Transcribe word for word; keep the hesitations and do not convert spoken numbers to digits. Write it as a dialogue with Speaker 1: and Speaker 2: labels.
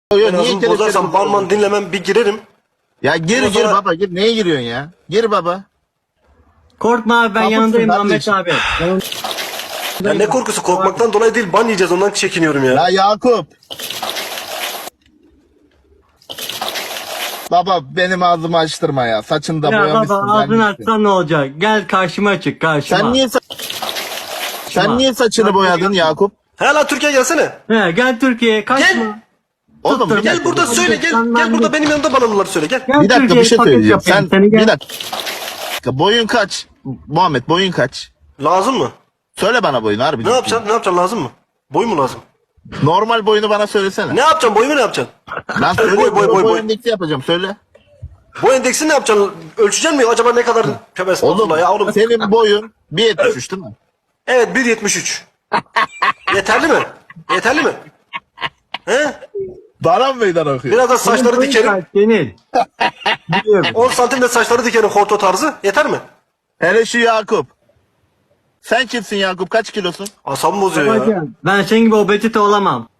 Speaker 1: Yo, yo,
Speaker 2: En
Speaker 1: niye
Speaker 2: azından
Speaker 1: kelepçeli
Speaker 2: bozarsam
Speaker 1: bozuyorsun?
Speaker 2: banman dinlemem bir girerim.
Speaker 1: Ya gir
Speaker 2: Ondan
Speaker 1: gir
Speaker 2: sonra-
Speaker 1: baba gir. Neye giriyorsun ya? Gir baba.
Speaker 3: Korkma abi ben
Speaker 1: Sapıksın
Speaker 3: yanındayım Ahmet
Speaker 1: kardeşim.
Speaker 3: abi.
Speaker 2: Ya ne korkusu, korkmaktan dolayı değil, ban yiyeceğiz ondan çekiniyorum ya.
Speaker 1: Ya Yakup. Baba benim ağzımı açtırma ya. Saçını da
Speaker 3: Ya
Speaker 1: boyamışsın.
Speaker 3: baba ağzını
Speaker 1: gelmişsin.
Speaker 3: açsan ne olacak? Gel karşıma çık karşıma.
Speaker 1: Sen niye sa- Sen niye saçını
Speaker 3: Bak,
Speaker 1: boyadın Yakup?
Speaker 2: He lan Türkiye gelsene.
Speaker 3: He, gel Türkiye'ye kaçma.
Speaker 2: Gel.
Speaker 1: Oğlum bir
Speaker 3: Tuttum.
Speaker 2: Gel
Speaker 1: dakika.
Speaker 2: burada söyle, gel. Gel burada benim yanımda bana bunları söyle, gel.
Speaker 3: Gel
Speaker 1: Bir dakika bir
Speaker 3: Türkiye'ye
Speaker 1: şey
Speaker 3: paket
Speaker 1: söyleyeceğim.
Speaker 3: yapayım
Speaker 1: Sen
Speaker 3: seni, gel.
Speaker 1: bir dakika. Boyun kaç? Muhammed boyun kaç?
Speaker 2: Lazım mı?
Speaker 1: Söyle bana boyunu harbi.
Speaker 2: Ne yapacaksın? Ne yapacaksın, lazım mı? Boy mu lazım?
Speaker 1: Normal boyunu bana söylesene.
Speaker 2: Ne yapacaksın, boyumu ne yapacaksın?
Speaker 1: Lan söyle
Speaker 2: Boy, boy, boy, boy.
Speaker 1: endeksi yapacağım söyle.
Speaker 2: Boy endeksini ne yapacaksın? Ölçeceksin mi? Acaba ne kadar? Tövbe
Speaker 1: Oğlum,
Speaker 2: estağfurullah ya oğlum.
Speaker 1: senin boyun bir yetmiş üç değil mi?
Speaker 2: Evet bir yetmiş üç. Yeterli mi? Yeterli mi? He?
Speaker 1: Bana mı meydan okuyor?
Speaker 2: Biraz da saçları
Speaker 3: Boyun
Speaker 2: dikerim.
Speaker 3: kaç Senin. Biliyorum.
Speaker 2: on santim de saçları dikerim horto tarzı. Yeter mi?
Speaker 1: Hele şu Yakup. Sen kimsin Yakup? Kaç kilosun?
Speaker 2: Asabımı bozuyor ya.
Speaker 3: Babacığım, ben senin gibi obezite olamam.